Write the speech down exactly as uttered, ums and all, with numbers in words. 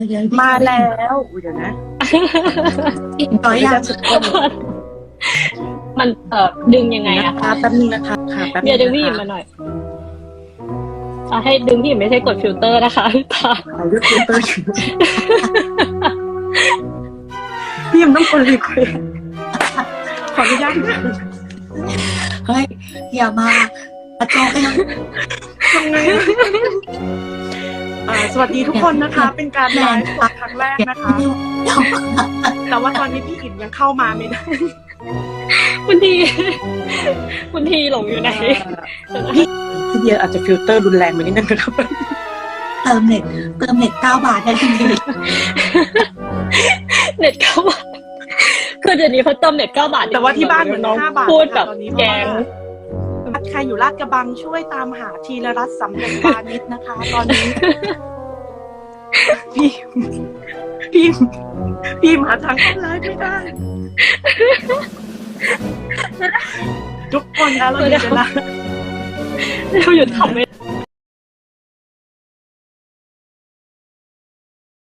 เดี๋ยวมาแล้วอุ๊ยเดี๋ยวนะอีกน้อยอย่างสุดคนมันเอ่อดึงยังไงอะคะแป๊บนึงนะคะค่ะแป๊บนึงเดี๋ยวดึงพี่หยิบมาหน่อยอ่ะให้ดึงพี่หยิบไม่ใช่กดฟิลเตอร์นะคะตาเอาเลือกฟิลเตอร์อยู่พี่ยังต้องคนรีเควสขออนุญาตนะเฮ้ยอย่ามาประจองกันทำไงอ่าสวัสดีทุกคนนะคะ เป็นการไลฟ์สดครั้งแรกนะคะ แต่ว่าตอนนี้พี่อิดยังเข้ามาไม่ได้คุณทีคุณทีหลงอยู่ไหนพี่พี่เดียอาจจะฟิลเตอร์รุนแรงไปนิดนึงนะครับเติมเน็ตเติมเน็ตเก้าบาทได้ทันทีเน็ตเก้าบาทคือเดี๋ยวนี้เขาเติมเน็ตเก้าบาทแต่ว่าที่บ้านเหมือนน้องห้าบาทพูดแบบตอนนี้แกงใครอยู่ลาดกระบังช่วยตามหาทีละรัตน์สำเร็จวานิชนะคะ ตอนนี้ พี่พี่พี่มาทางออนไลน์ไม่ได้ ทุกคนนะเราอยู่จะละเราหยุดทำไม่ได้